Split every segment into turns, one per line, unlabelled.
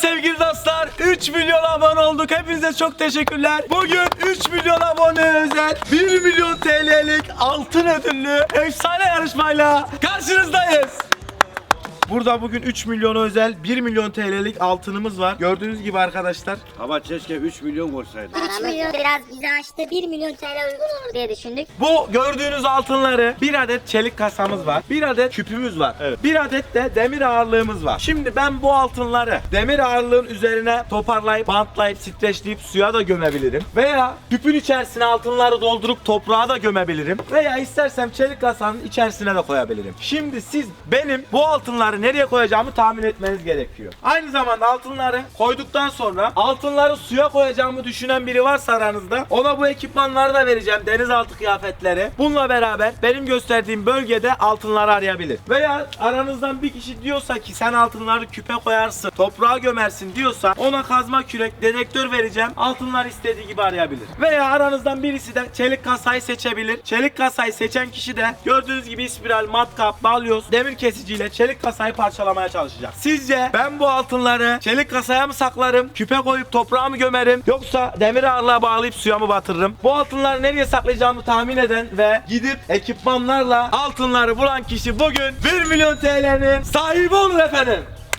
sevgili dostlar. 3 milyon abone olduk. Hepinize çok teşekkürler. Bugün 3 milyon abone özel 1 milyon TL'lik altın ödüllü efsane yarışmayla karşınızdayız. Burada bugün 3 milyona özel 1 milyon TL'lik altınımız var. Gördüğünüz gibi arkadaşlar.
Ama keşke 3 milyon koysaydı.
3 milyon biraz bize açtı. 1 milyon TL uygun olur diye düşündük.
Bu gördüğünüz altınları bir adet çelik kasamız var. Bir adet küpümüz var. Evet. Bir adet de demir ağırlığımız var. Şimdi ben bu altınları demir ağırlığın üzerine toparlayıp, bantlayıp, streçleyip suya da gömebilirim. Veya küpün içerisine altınları doldurup toprağa da gömebilirim. Veya istersem çelik kasanın içerisine de koyabilirim. Şimdi siz benim bu altınları nereye koyacağımı tahmin etmeniz gerekiyor. Aynı zamanda altınları koyduktan sonra altınları suya koyacağımı düşünen biri varsa aranızda, ona bu ekipmanları da vereceğim. Denizaltı kıyafetleri. Bununla beraber benim gösterdiğim bölgede altınları arayabilir. Veya aranızdan bir kişi diyorsa ki sen altınları küpe koyarsın, toprağa gömersin diyorsa ona kazma kürek, dedektör vereceğim. Altınlar istediği gibi arayabilir. Veya aranızdan birisi de çelik kasayı seçebilir. Çelik kasayı seçen kişi de gördüğünüz gibi spiral, matkap, balyoz, demir kesiciyle çelik kasayı parçalamaya çalışacak. Sizce ben bu altınları çelik kasaya mı saklarım, küpe koyup toprağa mı gömerim, yoksa demir ağırlığa bağlayıp suya mı batırırım? Bu altınları nereye saklayacağımı tahmin eden ve gidip ekipmanlarla altınları bulan kişi bugün 1 milyon TL'nin sahibi olur efendim.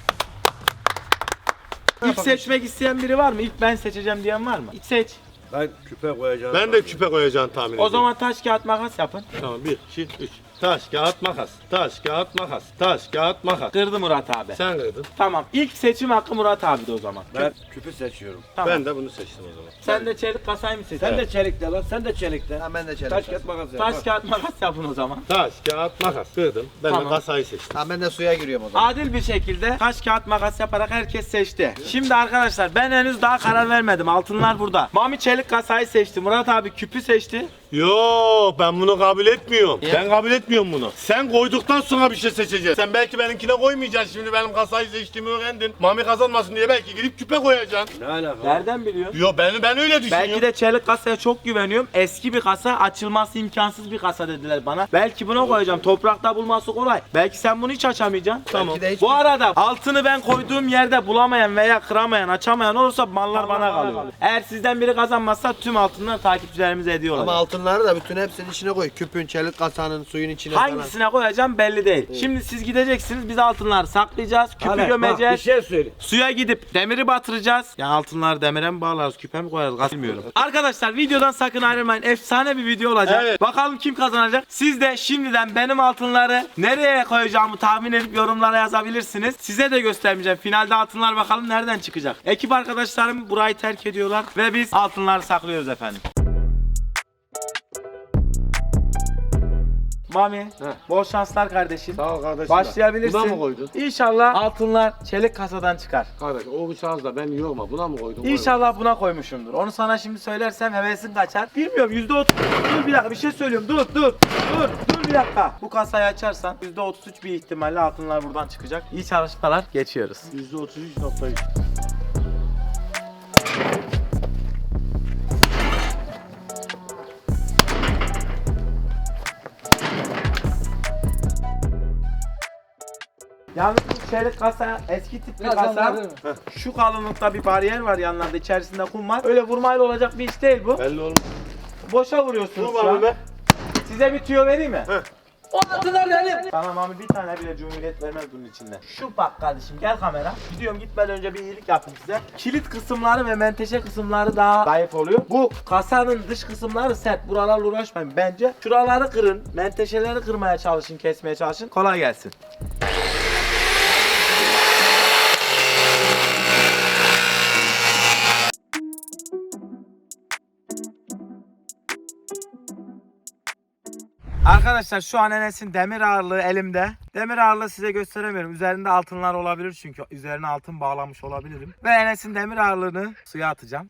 İlk seçmek isteyen biri var mı? İlk ben seçeceğim diyen var mı? İlk seç.
Ben küpe koyacağım.
Ben de küpe koyacağını tahmin ediyorum.
O zaman taş kağıt makas yapın.
Tamam 1, 2, 3. Taş, kağıt, makas. Taş, kağıt, makas. Taş, kağıt, makas.
Kırdı Murat abi.
Sen kırdın.
Tamam. İlk seçim hakkı Murat abi de o zaman.
Ben küpü seçiyorum.
Tamam.
Ben de bunu seçtim o zaman.
Sen de çelik kasayı mı seçtin?
Sen de çelikte lan, sen de çelikte.
Ha, ben de çelik.
Taş kağıt makas yap.
Taş kağıt makas yapın o zaman.
Taş, kağıt, makas. Kırdım. Ben
Tamam.
de kasayı seçtim.
Ha, ben de suya giriyorum o zaman.
Adil bir şekilde taş kağıt makas yaparak herkes seçti. Şimdi arkadaşlar ben henüz daha karar vermedim. Altınlar burada. Mami çelik kasayı seçti. Murat abi küpü seçti.
Yo, ben bunu kabul etmiyorum. Ben kabul etmiyorum bunu. Sen koyduktan sonra bir şey seçeceksin. Sen belki benimkine koymayacaksın. Şimdi benim kasayı seçtiğimi öğrendin. Mami kazanmasın diye belki gidip küpe koyacaksın.
Ne alaka?
Nereden biliyorsun?
Yo, ben öyle düşünüyorum.
Belki de çelik kasaya çok güveniyorum. Eski bir kasa, açılması imkansız bir kasa dediler bana. Belki buna koyacağım. Toprakta bulması kolay. Belki sen bunu hiç açamayacaksın.
Belki de hiç-
Bu arada altını ben koyduğum yerde bulamayan veya kıramayan, açamayan olursa mallar bana kalıyor. Eğer sizden biri kazanmazsa tüm altınlar takipçilerimize hediye olacak.
Ama altınları da bütün hepsinin içine koy. Küpün, çelik kasanın, suyun içine falan.
Hangisine koyacağım belli değil. Şimdi siz gideceksiniz, biz altınları saklayacağız, küpü
Hala, bak, bir
gömeceğiz.
şey söyle.
Suya gidip demiri batıracağız. Yani altınları demire mi bağlarız, küpe mi koyarız bilmiyorum. Arkadaşlar videodan sakın ayrılmayın. Efsane bir video olacak.
Evet.
Bakalım kim kazanacak. Siz de şimdiden benim altınları nereye koyacağımı tahmin edip yorumlara yazabilirsiniz. Size de göstermeyeceğim. Finalde altınlar bakalım nereden çıkacak. Ekip arkadaşlarım burayı terk ediyorlar ve biz altınları saklıyoruz efendim. Mami, bol şanslar kardeşim.
Sağ ol kardeşim.
Başlayabilirsin.
Buna mı koydun?
İnşallah altınlar çelik kasadan çıkar.
Kardeş o şans da ben yorma. Buna mı koydun?
İnşallah buna koymuşumdur. Onu sana şimdi söylersem hevesin kaçar. Bilmiyorum %30. Dur bir dakika bir şey söylüyorum. Dur bir dakika. Bu kasayı açarsan %33 bir ihtimalle altınlar buradan çıkacak. İyi çalışmalar. Geçiyoruz.
%33.3.
Yalnız bu çelik kasa eski tip bir kasa. Şu kalınlıkta bir bariyer var yanlarda, içerisinde kum var. Öyle vurmayla olacak bir iş değil bu.
Belli olmuş.
Boşa vuruyorsunuz
Dur
şu an.
Mami be.
Size bir tüyo vereyim mi?
Heh.
O altınlar benim. Tamam abi, bir tane bile cumhuriyet vermez bunun içinde. Şu bak kardeşim, gel kamera. Gidiyorum, gitmeden önce bir iyilik yapayım size. Kilit kısımları ve menteşe kısımları daha zayıf oluyor. Bu kasanın dış kısımları sert. Buralarla uğraşmayın bence. Şuraları kırın. Menteşeleri kırmaya çalışın, kesmeye çalışın. Kolay gelsin. Arkadaşlar şu an Enes'in demir ağırlığı elimde. Demir ağırlığı size gösteremiyorum. Üzerinde altınlar olabilir çünkü üzerine altın bağlamış olabilirim. Ve Enes'in demir ağırlığını suya atacağım.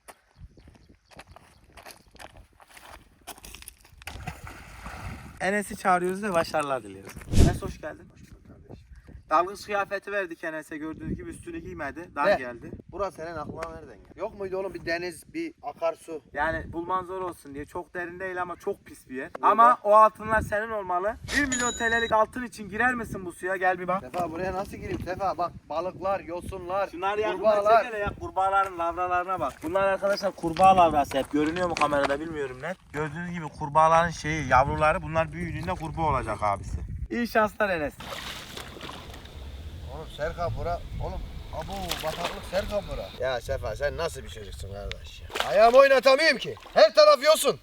Enes'i çağırıyoruz ve başarılar diliyoruz. Enes hoş geldin. Hoş bulduk kardeşim. Dalgıç kıyafeti verdik Enes'e, gördüğünüz gibi üstünü giymedi. Dar
Ne?
geldi.
Burası senin aklına nereden geldi? Yok muydu oğlum bir deniz, bir akarsu?
Yani bulman zor olsun diye, çok derin değil ama çok pis bir yer. Ama o altınlar senin olmalı. 1 milyon TL'lik altın için girer misin bu suya? Gel bir bak.
Sefa buraya nasıl gireyim Sefa? Bak balıklar, yosunlar,
Şunlar yakından
kurbağalar.
çekene ya, kurbağaların lavralarına bak. Bunlar arkadaşlar kurbağa lavrası, hep görünüyor mu kamerada bilmiyorum net. Gördüğünüz gibi kurbağaların yavruları, bunlar büyüdüğünde kurbağa olacak abisi. İyi şanslar Enes.
Oğlum Serkan bura, oğlum abu bataklık Serkan bura. Ya Sefa sen nasıl bir çocuksun kardeş ya? Ayağımı oynatamıyorum ki. Her taraf yosun.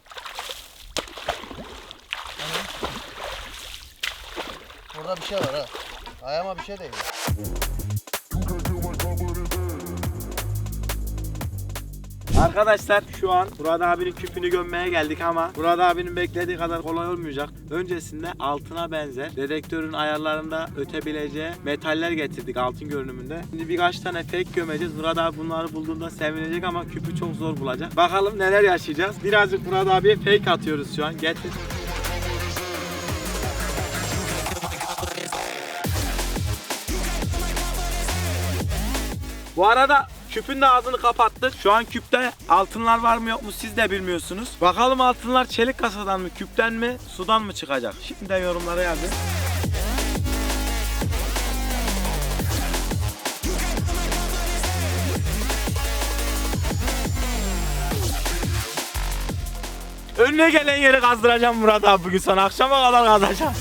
Burada bir şey var ha. Ayağıma bir şey değil.
Arkadaşlar şu an Murat abinin küpünü gömmeye geldik ama Murat abinin beklediği kadar kolay olmayacak. Öncesinde altına benzer dedektörün ayarlarında ötebileceği metaller getirdik altın görünümünde. Şimdi birkaç tane fake gömeceğiz. Murat abi bunları bulduğunda sevinecek ama küpü çok zor bulacak. Bakalım neler yaşayacağız. Birazcık Murat abiye fake atıyoruz şu an. Getir. Bu arada küpün de ağzını kapattık. Şu an küpte altınlar var mı yok mu siz de bilmiyorsunuz. Bakalım altınlar çelik kasadan mı, küpten mi, sudan mı çıkacak? Şimdiden yorumlara yazın. Önüne gelen yeri kazdıracağım Murat abi bugün sana. Akşama kadar kazacağım.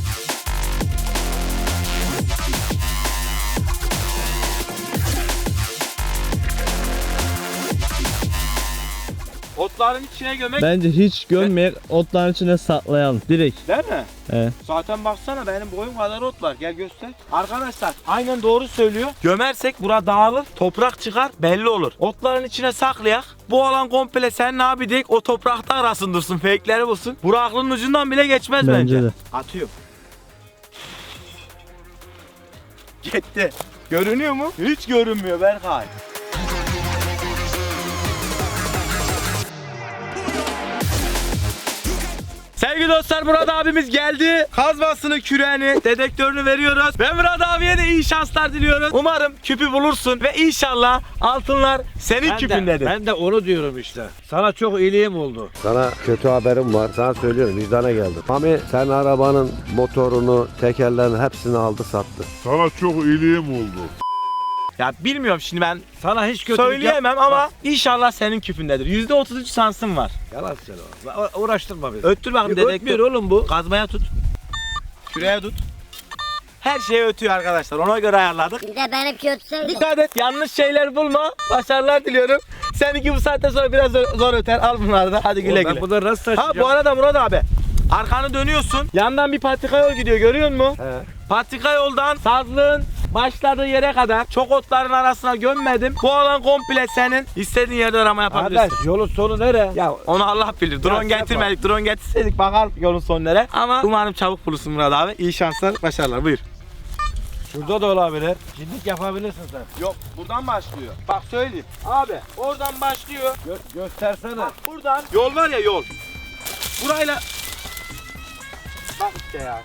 Otların içine gömek
Bence hiç gömmeyek, otların içine saklayalım direkt.
değil mi?
Evet.
Zaten baksana benim boyum kadar ot var. Gel göster. Arkadaşlar aynen doğru söylüyor. Gömersek bura dağılır, toprak çıkar belli olur. Otların içine saklayak. Bu alan komple sen ne yapacak? O toprakta arasın dursun, fake'leri bulsun. Bura aklının ucundan bile geçmez bence.
Bence de.
Atıyorum. Gitti. Görünüyor mu? Hiç görünmüyor Berkay. Sevgili dostlar Murat abimiz geldi. Kazmasını, küreğini, dedektörünü veriyoruz. Ve Murat abiye de iyi şanslar diliyoruz. Umarım küpü bulursun ve inşallah altınlar senin küpündedir.
Ben de onu diyorum işte. Sana çok iyiliğim oldu.
Sana kötü haberim var. Sana söylüyorum vicdana geldim. Mami sen arabanın motorunu, tekerlerini hepsini aldı sattı.
Sana çok iyiliğim oldu.
Ya bilmiyorum şimdi ben
Sana hiç kötülük
söyleyemem ama inşallah senin küpündedir. %33 şansın var.
Yalan söyle oğlum. Uğraştırma bizi.
Öttür bakayım
Ötmüyor
dedektör.
oğlum bu.
Kazmaya tut. Küreğe tut. Her şeyi ötüyor arkadaşlar. Ona göre ayarladık.
Bir de benimki ötseydin.
Dikkat et, yanlış şeyler bulma. Başarılar diliyorum. Seninki bu saatten sonra biraz zor öter. Al bunları da. Hadi güle
Oğlum
güle.
ben bunları nasıl
Ha
taşıyacağım?
bu arada Murat abi. Arkanı dönüyorsun. Yandan bir patika yol gidiyor. Görüyor musun?
He.
Patika yoldan sazlığın başladığı yere kadar çok otların arasına gömmedim. Bu alan komple senin. İstediğin yerde arama yapabilirsin.
Arkadaş yolun sonu nere? Ya
Onu Allah bilir. Drone
Ya,
getirmedik. Drone getirseydik bakalım yolun sonu nere. Ama umarım çabuk bulursun Murat abi. İyi şanslar, başarılar. Buyur.
şurada da olabilir. Cinlik yapabilirsin sen.
Yok, buradan başlıyor. Bak söyleyeyim. Abi, oradan başlıyor.
Göstersene.
Bak buradan. Yol var ya yol. Burayla. Bak işte ya.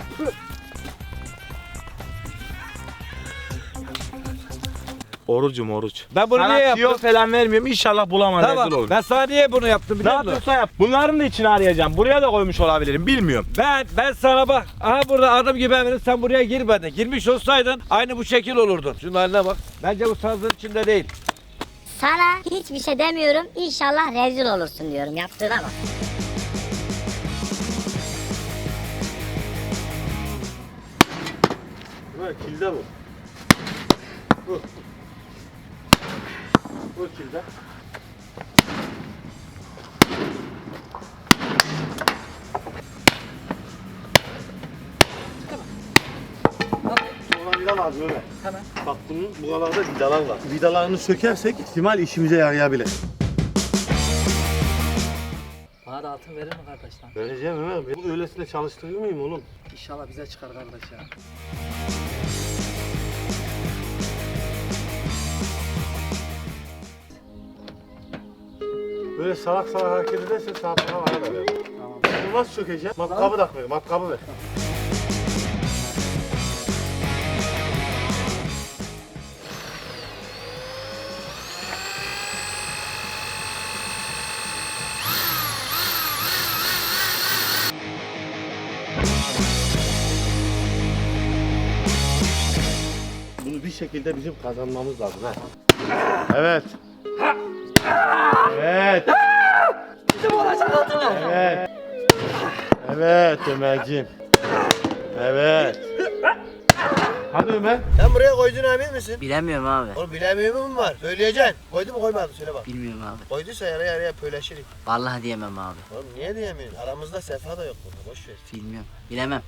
Orucum oruç.
Ben bunu niye yaptım?
Sana falan vermiyorum. İnşallah bulamam. Rezil
Tamam.
olurum.
Ben sana niye bunu yaptım
Ne
biliyor musun?
yapıyorsa yap. Bunların da içine arayacağım. Buraya da koymuş olabilirim. Bilmiyorum.
Ben sana bak. Aha burada adım gibi eminim sen buraya girmedin. Girmiş olsaydın aynı bu şekil olurdun. Şunun haline bak. Bence bu sazlığın içinde değil.
Sana hiçbir şey demiyorum. İnşallah rezil olursun diyorum. Yaptığına bak.
Evet, kilde bu. Bu kilde. Sonra vida lazım öyle.
Tamam.
Bak bunun buralarda vidalar var. Vidalarını sökersek ihtimal işimize yarayabilir.
Bana da altın verir mi kardeş lan?
Vereceğim Ömer. Bu öylesine çalıştırır mıyım oğlum?
İnşallah bize çıkar kardeş ya.
Böyle salak salak hareket edersen sana para var da ver. Tamam. Bunu nasıl sökeceğim? Matkabı da ver. Matkabı ver. şekilde bizim kazanmamız lazım ha. Evet. Evet.
Bizim olacak altınlar.
Evet. Evet Ömerciğim. Evet. Hadi Ömer.
Sen buraya koyduğuna emin misin?
Bilemiyorum abi.
Oğlum bilemiyor mu var? Söyleyeceksin. Koydu mu koymadı söyle bak.
Bilmiyorum abi.
Koyduysa yarıya pöyleşirik.
Vallahi diyemem abi.
Oğlum niye diyemiyorsun? Aramızda Sefa da yok burada. Boş ver.
Bilmiyorum. Bilemem.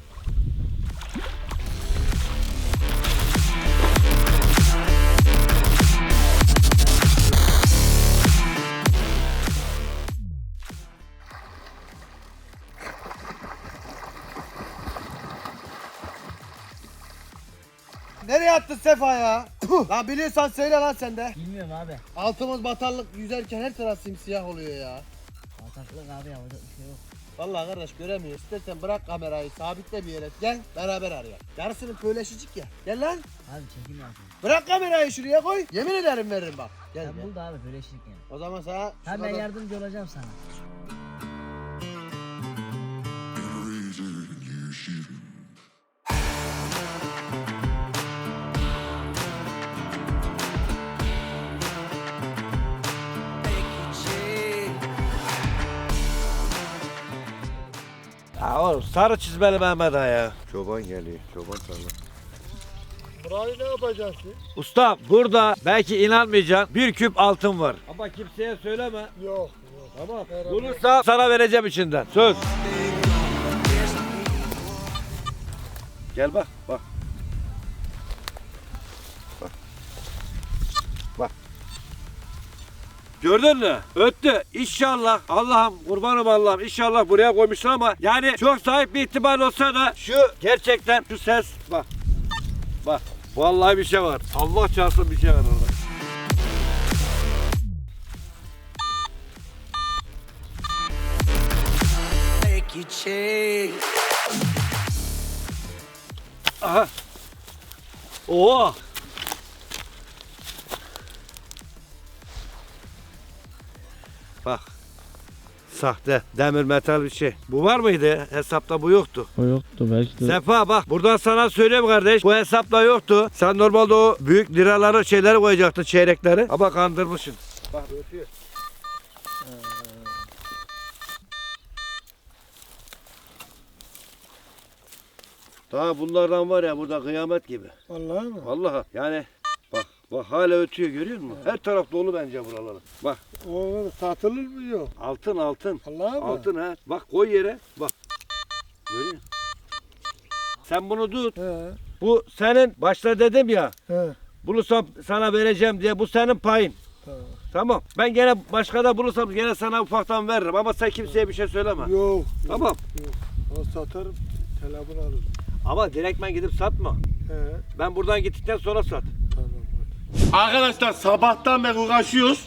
Nereye attın Sefa ya? Lan biliyorsan söyle lan sen de.
Bilmiyorum abi.
Altımız batarlık yüzerken her taraf simsiyah oluyor ya.
Bataklık abi yapacak bir şey yok.
Vallahi kardeş göremiyoruz. İstersen bırak kamerayı sabitle bir yere. Gel beraber arayalım. Yarısını pöyleşecek ya. Gel lan.
Abi çekim yapayım.
Bırak kamerayı şuraya koy. Yemin ederim veririm bak. Gel
Sen
gel.
bul da abi böyle şirk yani.
O zaman sana
Ben
şuradan-
yardımcı olacağım sana.
Ya oğlum sarı çizmeli Mehmet Ağa ya.
Çoban geliyor. Çoban sana.
Burayı ne yapacaksın?
Usta burada belki inanmayacaksın bir küp altın var. Ama kimseye söyleme.
Yok.
Tamam. Bulursa sana vereceğim içinden. Söz. Gel bak bak. Bak. Gördün mü? Öttü. İnşallah Allah'ım kurbanım Allah'ım inşallah buraya koymuşlar ama yani çok sahip bir ihtimal olsa da şu gerçekten şu ses bak. Bak. Vallahi bir şey var. Allah çarpsın bir şey var orada. Aha. Oo. Bak. Sahte demir metal bir şey. Bu var mıydı? Hesapta bu yoktu.
O yoktu belki de.
Sefa bak buradan sana söyleyeyim kardeş. Bu hesapta yoktu. Sen normalde o büyük liraları şeyleri koyacaktın çeyrekleri. Ama kandırmışsın. Bak ötüyor. Daha bunlardan var ya burada kıyamet gibi.
Vallahi mı?
Vallahi yani bak hala ötüyor görüyor musun? Her taraf dolu bence buraları. Bak
Oğlum satılır mı yok?
altın altın.
Vallahi
Altın ha. Bak koy yere. Bak. Görüyor musun? Sen bunu tut.
He.
Bu senin başta dedim ya.
He.
Bunu sana vereceğim diye bu senin payın.
Tamam.
Tamam. Ben gene başka da bulursam gene sana ufaktan veririm ama sen kimseye bir şey söyleme.
Yok.
Tamam.
O satarım. Telefon alırım.
Ama direktmen gidip satma.
He.
Ben buradan gittikten sonra sat.
Tamam.
Arkadaşlar sabahtan beri uğraşıyoruz.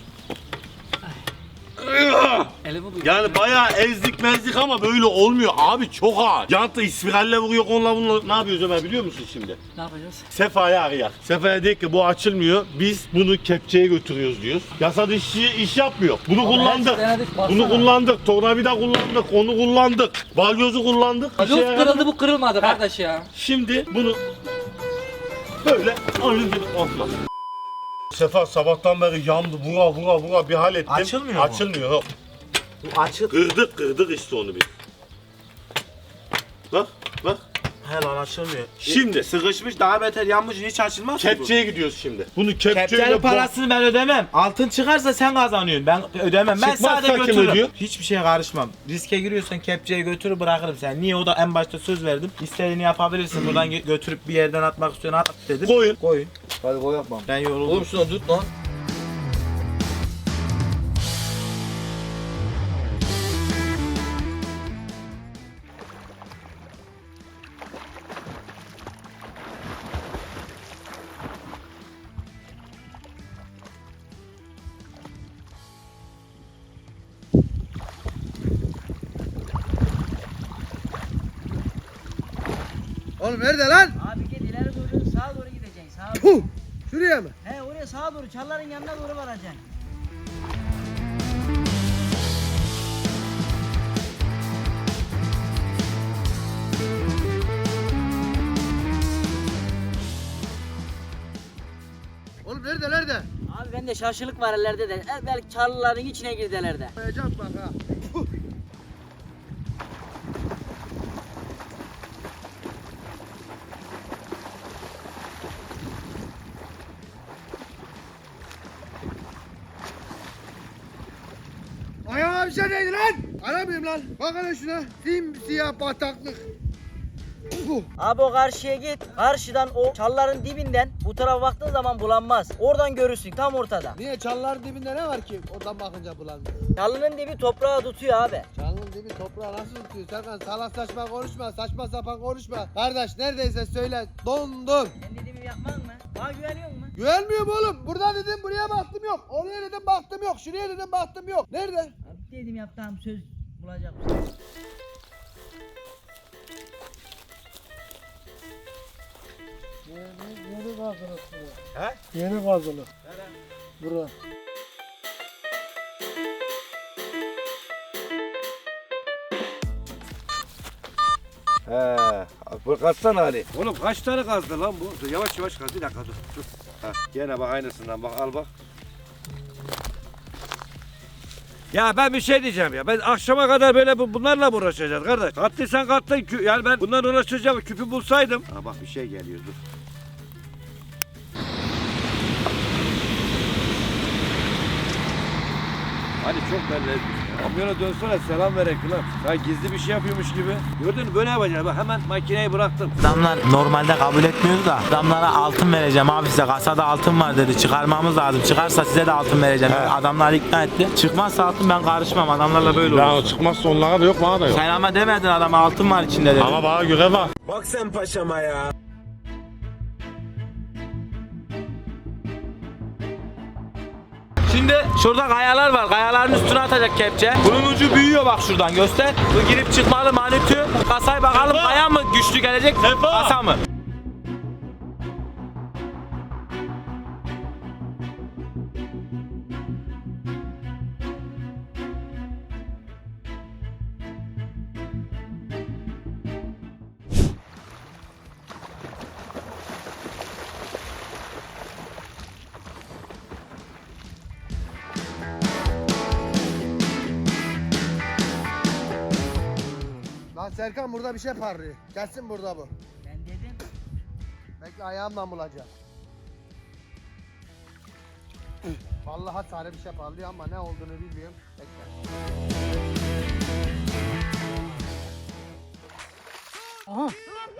Elimi duydum.
Yani bayağı ezdik mezdik ama böyle olmuyor abi çok ağır. Jantı ispiralle vuruyor onunla bununla. Ne yapıyoruz Ömer biliyor musun şimdi?
Ne yapacağız?
Sefa'yı arayak. Sefa'ya dedik ki bu açılmıyor. Biz bunu kepçeye götürüyoruz diyoruz. Yasa dışı iş yapmıyor. Bunu kullandık.
denedik, baksana.
Bunu kullandık. Tornavida kullandık. Onu kullandık. Balyozu kullandık. Bir şey
Yok
yaramadı.
kırıldı bu kırılmadı kardeş ya.
Şimdi bunu böyle oyun gibi olmaz. Sefa sabahtan beri yandı vura bir hal ettim.
Açılmıyor mu?
Açılmıyor.
Bu açık.
Kırdık işte onu bir. Bak.
Helal açılmıyor.
Şimdi
Sıkışmış daha beter yanmış hiç açılmaz ki bu.
kepçeye gidiyoruz şimdi. Bunu kepçeyle
Kepçenin parasını ben ödemem. Altın çıkarsa sen kazanıyorsun. Ben ödemem. Ben
Çıkmazsa
sadece
kim
götürürüm.
ödüyor?
Hiçbir şeye karışmam. Riske giriyorsan kepçeyi götürür bırakırım sen. Niye o da en başta söz verdim. İstediğini yapabilirsin. Buradan götürüp bir yerden atmak istiyorsan at dedim.
Koyun.
Koyun.
Hadi koy yapmam.
Ben yoruldum.
şuna tut lan.
Oğlum nerede lan?
Abi git ileri doğru sağa doğru gideceksin. Sağa doğru.
Puh! Şuraya mı?
He oraya sağa doğru çalların yanına doğru varacaksın.
Nerede?
Abi bende şaşılık var ellerde de. Belki çalıların içine girdiler de.
Koyacağım bak ha. Ayağıma bir şey değdi lan. Aramıyorum lan. Bak hele şuna. Simsiyah bataklık.
Abi o karşıya git. Karşıdan o çalıların dibinden bu tarafa baktığın zaman bulanmaz. Oradan görürsün tam ortada.
Niye çalıların dibinde ne var ki? Oradan bakınca bulanmıyor.
Çalının dibi toprağa tutuyor abi.
Çalının dibi toprağı nasıl tutuyor? Serkan salak saçma konuşma. Saçma sapan konuşma. Kardeş neredeyse söyle. Dondum.
Sen dediğimi yapmaz mı? Bana güveniyor musun?
Güvenmiyorum oğlum. Burada dedim buraya baktım yok. Oraya dedim baktım yok. Şuraya dedim baktım yok. Nerede?
Abi dedim yaptığım söz bulacağım.
Yeni kazılık buraya.
He?
Yeni kazılık. Bura.
Bu kaçsana Ali. Oğlum kaç tane kazdı lan bu? Dur, yavaş yavaş kaz. Bir dakika dur. Dur. Ha, gene bak aynısından bak al bak. Ya ben bir şey diyeceğim ya. Ben akşama kadar böyle bunlarla mı uğraşacağız kardeş? Kattıysan kattın. Yani ben bunlarla uğraşacağım. Küpü bulsaydım. Ha bak bir şey geliyor dur. Hadi çok belli. Kamyona dönsene selam verek lan. Ya gizli bir şey yapıyormuş gibi. Gördün mü böyle yapacağım. Bak hemen makineyi bıraktım.
Adamlar normalde kabul etmiyordu da adamlara altın vereceğim abi, size kasada altın var dedi, çıkarmamız lazım, çıkarsa size de altın vereceğim. Adamlar ikna etti. Çıkmazsa altın ben karışmam, adamlarla böyle olur.
Ya o çıkmazsa onlara da yok bana da yok.
Sen ama demedin adama altın var içinde dedi.
Ama bana göre var.
Bak sen paşama ya. Şimdi şurada kayalar var. Kayaların üstüne atacak kepçe. Bunun ucu büyüyor bak şuradan göster. Bu girip çıkmalı manitü. Kasayı bakalım kaya mı güçlü gelecek? Kasa mı?
Lan Serkan burada bir şey parlıyor. Gelsin burada bu.
Ben dedim.
Bekle ayağımla bulacağım. Vallahi sarı bir şey parlıyor ama ne olduğunu bilmiyorum. Bekle. Aha.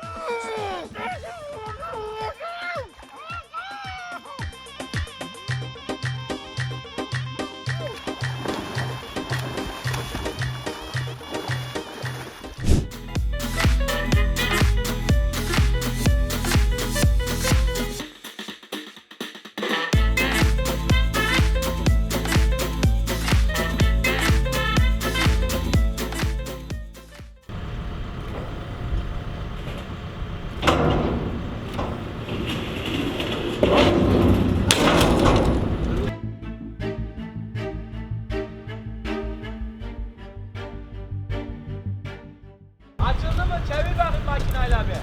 Açıldı mı? Çevir bakayım makineyle abi.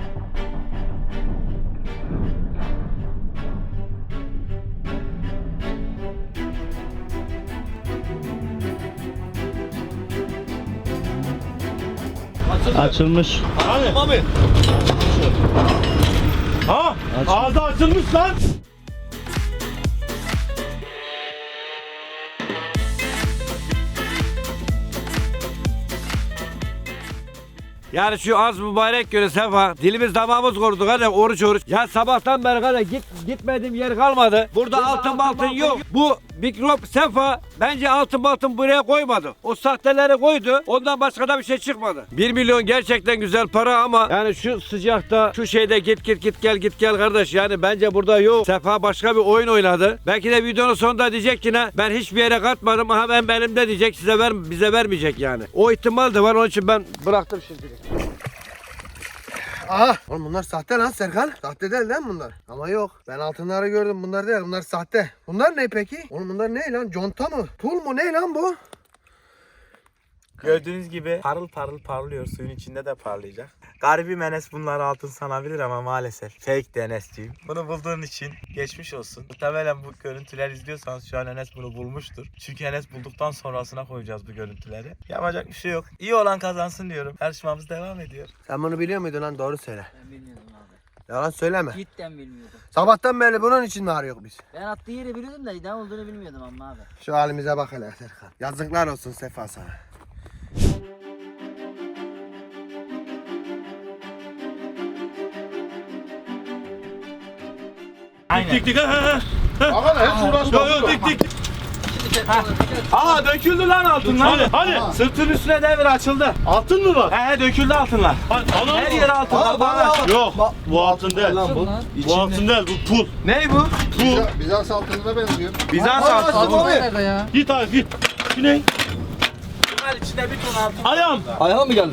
Açılmış.
Hani? Mami. Ha? Ağzı açılmış lan.
Yani şu az mübarek göre Sefa dilimiz damağımız kurudu hadi oruç oruç. Ya sabahtan beri hadi gitmediğim yer kalmadı. Burada altın yok. Bu mikrop Sefa bence altın buraya koymadı. O sahteleri koydu. Ondan başka da bir şey çıkmadı. 1 milyon gerçekten güzel para ama yani şu sıcakta şu şeyde git gel kardeş. Yani bence burada yok. Sefa başka bir oyun oynadı. Belki de videonun sonunda diyecek ki ne? Ben hiçbir yere katmadım. Aha ben elimde diyecek. Bize vermeyecek yani. O ihtimal de var. Onun için ben bıraktım şimdi.
Aha. Oğlum bunlar sahte lan Serkan. Sahte değil lan bunlar. Ama yok. Ben altınları gördüm. Bunlar değil. Bunlar sahte. Bunlar ne peki? Oğlum bunlar ne lan? Conta mı? Pul mu? Ne lan bu?
Gördüğünüz gibi parıl parıl parlıyor. Suyun içinde de parlayacak. Garibim Enes bunları altın sanabilir ama maalesef fake de Enes'ciyim. Bunu bulduğun için geçmiş olsun. Muhtemelen bu görüntüler izliyorsanız şu an Enes bunu bulmuştur. Çünkü Enes bulduktan sonrasına koyacağız bu görüntüleri. Yapacak bir şey yok. İyi olan kazansın diyorum. Yarışmamız devam ediyor.
Sen bunu biliyor muydun lan? Doğru söyle.
Ben bilmiyordum abi.
Yalan söyleme.
Cidden bilmiyordum.
Sabahtan beri bunun için mi arıyoruz biz?
Ben attığı yeri biliyordum da ne olduğunu bilmiyordum ama abi.
Şu halimize bak hele Serkan. Yazıklar olsun Sefa sana.
Aynen.
Dik dik ha.
Ama hiç uğraşma.
Yo yo dik dik.
Aa döküldü lan altınlar.
Hadi.
Sırtın üstüne devir açıldı.
Altın mı var?
He döküldü altınlar.
Ana
Her yer altınlar. Bağlaş.
Yok bu altın değil. Bu altın değil bu pul.
Ne bu?
Pul.
Bizans altınına benziyor.
Bizans altını.
Nerede ya?
Git abi git. Şu ne?
Bunlar içinde bir ton altın.
Ayağım.
Ayağım mı geldi?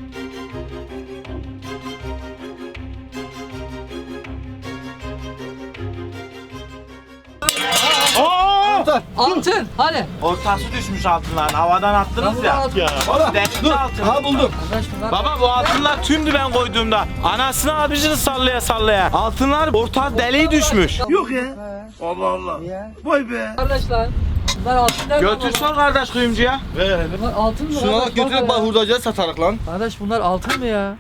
Aa!
Altın. Hani?
Ortası düşmüş altınların. Havadan attınız ya.
Ya.
Oğlum denizli altın.
Ha buldum.
Baba bu altınlar tümdü ben koyduğumda. Anasını abicini sallaya sallaya. Altınlar orta deliği düşmüş.
Yok ya. Allah Allah. Vay be.
Kardeşler. Bunlar altın nerede?
Götür sor kardeş kuyumcuya.
Bunlar altın mı?
Şuna bak götürüp bak hurdacıya satarak lan.
Kardeş bunlar altın mı ya?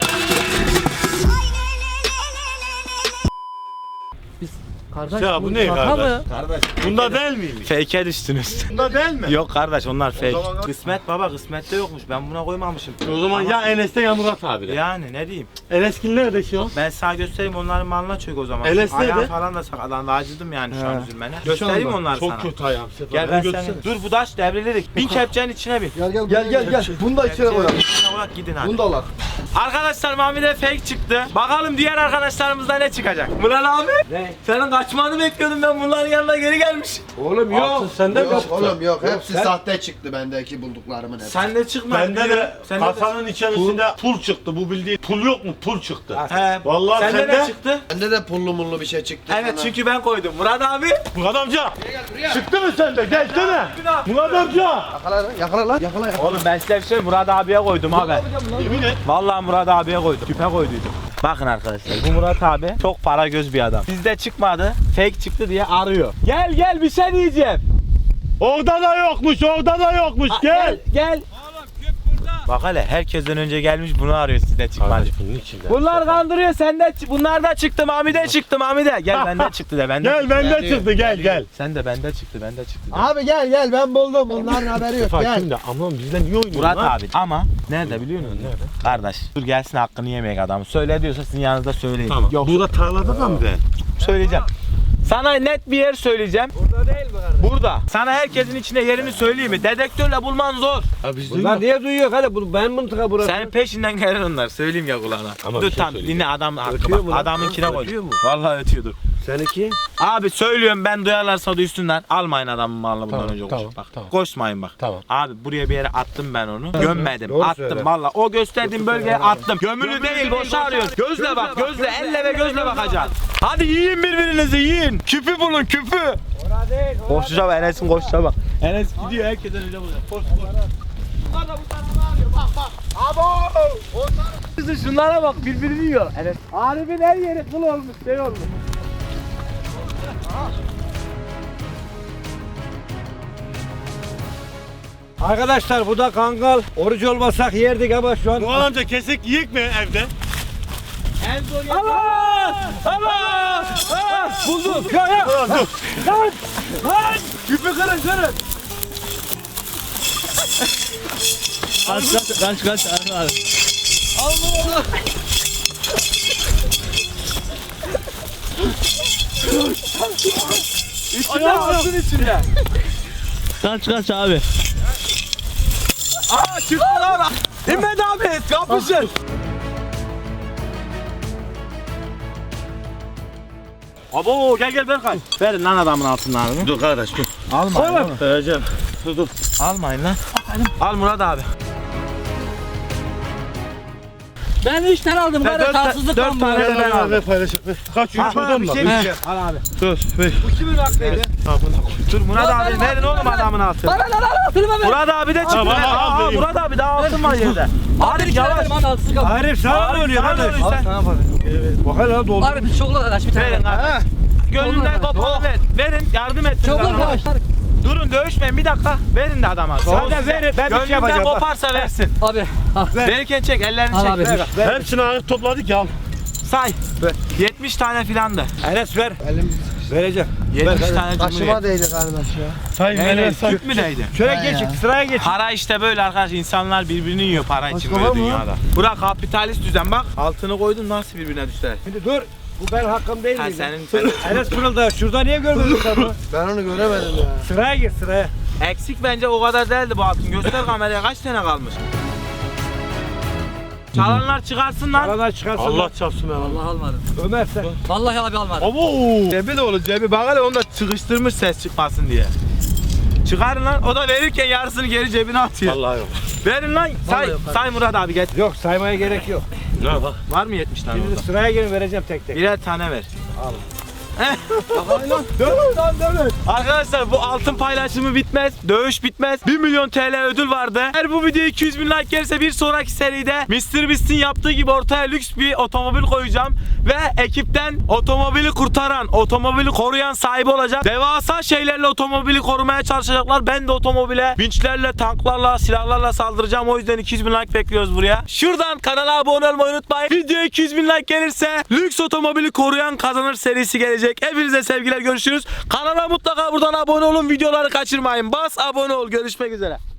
Kardeş
Ya bu ne
şaka
kardeş?
mı?
Bunda değil miymiş?
Fake'e düştünüz.
Bunda değil mi?
Yok kardeş onlar fake.
O zaman-
Kısmet baba kısmette yokmuş. Ben buna koymamışım.
O zaman ya Enes'te ya Murat abiyle.
Yani ne diyeyim.
Enes'kin nerede şu an?
Ben sana göstereyim onların malına çök o zaman.
Enes
Ayağım
nerede?
falan da sakalandı. Acıdım yani şu an üzülmene. Göstereyim onları
Çok
sana.
kötü ayağım Sefa.
Gel ben seni. Dur bu taş devrilerik. Bin kepçenin içine bin.
Gel. Bunu da içine koyalım.
İçine koyak gidin hadi.
Bunu da al.
Arkadaşlar Mami'de fake çıktı. Bakalım diğer arkadaşlarımızda ne çıkacak? Murat abi. Ne? Senin kaçmanı bekliyordum ben bunların yanına geri gelmiş.
Oğlum yok.
Sende mi?
Yok oğlum yok. Hepsi sahte çıktı bendeki bulduklarımın hepsi.
Sen de çıkma.
Bende de
Sende de-
kasanın içerisinde pul çıktı. Bu bildiğin pul yok mu? Pul çıktı.
He.
Vallahi
Sende
sende
ne çıktı?
Bende de pullu mullu bir şey çıktı.
Evet
sana.
çünkü ben koydum. Murat abi.
Murat amca. Çıktı mı sende? Gelsene. Murat amca.
Yakala lan.
Oğlum ben size bir şey Murat abiye koydum abi.
Yemin et.
Vallahi Murat abiye koydum. Küpe koyduydum. Bakın arkadaşlar bu Murat abi çok para göz bir adam. Sizde çıkmadı. Fake çıktı diye arıyor. Gel bir şey diyeceğim.
Orada da yokmuş. Orada da yokmuş. Gel.
Gel. Bak hele herkesten önce gelmiş bunu arıyor sizde çıkmadı.
Bunun içinde.
Bunlar kandırıyor sende bunlar da çıktı Mami'de çıktı Mami'de. Gel bende çıktı de bende.
Gel benden çıktı. Gel.
Sen de bende çıktı de.
Abi gel ben buldum. Bunların haberi yok.
Sefa
Gel.
kimde? Aman bizden niye oynuyorsun
Murat
lan?
abi ama nerede biliyor musun? Nerede? Kardeş dur gelsin hakkını yemeyek adamı. Söyle diyorsa sizin yanınızda söyleyin.
Tamam.
Yok
Burada tarlada da mı be?
söyleyeceğim. Sana net bir yer söyleyeceğim. Burada değil mi kardeş? Burada. Sana herkesin içine yerini söyleyeyim mi? Dedektörle bulman zor.
Ya biz
Bunlar niye duyuyor hadi bunu ben mıntıka burası.
Senin peşinden gelir onlar. Söyleyeyim ya kulağına.
Ama
Dur
bir şey
tamam
söyleyeceğim.
dinle adam hakkı
Ötüyor
bak.
mu lan?
Adamınkine koy.
Ötüyor mu?
Vallahi ötüyordur.
Seninki?
Abi söylüyorum ben duyarlarsa duysunlar. Almayın adamın malını bundan
Tamam,
önce
tamam,
koş. Bak.
tamam.
Koşmayın bak.
Tamam.
Abi buraya bir yere attım ben onu. Gömmedim.
Doğru
attım
söyle.
valla. O gösterdiğim bölgeye attım. Gömülü değil boşa arıyoruz. Gözle bak gözle elle ve gözle bakacaksın. Hadi yiyin birbirinizi yiyin. Küpü bulun küpü. Koşuşa bak Enes'in koşuşa bak. Enes gidiyor herkesten önce bulacak. Koş koş. Bunlar da bu tarafa arıyor bak bak. Abo! Şunlara bak birbirini yiyor. Enes. Arif'in her yeri kıl olmuş şey olmuş.
Arkadaşlar bu da kangal. Oruç olmasak yerdik ama şu an.
Murat amca kesik yiyik mi evde?
Allah! Allah! Buldum. Ya.
Dur.
Lan! Küpü kırın kırın.
Kaç abi.
İçine alsın içine.
Kaç abi.
Aa çıktı lan. İmmet abi kapışın. Abo gel Berkay. Verin lan adamın altınlarını.
Dur kardeş dur.
Almayın oğlum.
Vereceğim. Dur.
Almayın lan. Al Murat abi.
Ben 3 tane aldım.
Ben
Kardeş haksızlık
4
lan bu.
tane de ben aldım.
Paylaşıp kaç yıl şuradan mı?
Al abi.
Dur, ver.
Bu kimin hakkıydı?
Dur Murat abi verin oğlum adamın altını.
Bana lan altını ver.
Murat abi de çıktı.
Tamam, al, vereyim.
Murat abi daha altın var yerde. Arif yavaş.
Arif sana ne oluyor
Sana ne
kardeş?
oluyor sen?
Bak hele doldu.
Abi bir çokla arkadaş bir tane.
Verin abi. Gönlünden kopalı ver. Verin yardım et.
Çokla arkadaş.
Durun dövüşmeyin bir dakika. Verin de adama.
Sadece verin, ben bir şey
Gönlünden
yapacağım, bak.
koparsa versin.
Abi.
Verirken çek ellerini
Al
çek.
abi.
Ver.
Hepsini ayıp topladık ya.
Say. 70 tane filandı.
Enes ver. Vereceğim.
70 tane
Taşıma
cumhuriyet.
değdi kardeş ya.
Say
Neyle? Tüp mü neydi?
Şöyle geç, sıraya geç.
Para işte böyle arkadaş insanlar birbirini yiyor para için
Başka
böyle
var mı?
dünyada. Bırak kapitalist düzen bak altını koydun nasıl birbirine düştüler.
Şimdi dur. Bu benim hakkım değil
Ha
mi?
senin
Enes Pırıl'da şurada niye görmedin sen bunu?
Ben onu göremedim ya.
Sıraya gir sıraya.
eksik bence o kadar değildi bu altın. Göster kameraya kaç tane kalmış. Çalanlar çıkarsın lan.
Aradan çıkarsın.
Allah çarpsın ben.
Allah almadım.
Ömer sen.
Vallahi abi almadım.
Abo.
Cebi de olur cebi bak hele onu da sıkıştırmış ses çıkmasın diye. Çıkarın lan o da verirken yarısını geri cebine atıyor.
Vallahi yok.
Verin lan say, say Murat abi geç.
Yok saymaya gerek yok.
Ne bak.
Var mı 70 tane
Şimdi
orada?
sıraya girin vereceğim tek tek.
Birer tane ver. Al. Dövün. Arkadaşlar bu altın paylaşımı bitmez. Dövüş bitmez. 1 milyon TL ödül vardı. Eğer bu video 200 bin like gelirse bir sonraki seride MrBeast'in yaptığı gibi ortaya lüks bir otomobil koyacağım. Ve ekipten otomobili kurtaran, otomobili koruyan sahibi olacak. Devasa şeylerle otomobili korumaya çalışacaklar. Ben de otomobile vinçlerle, tanklarla, silahlarla saldıracağım. O yüzden 200 bin like bekliyoruz buraya. Şuradan kanala abone olmayı unutmayın. Video 200 bin like gelirse lüks otomobili koruyan kazanır serisi gelecek. Hepinize sevgiler, görüşürüz. Kanala mutlaka buradan abone olun, videoları kaçırmayın. Bas abone ol, görüşmek üzere.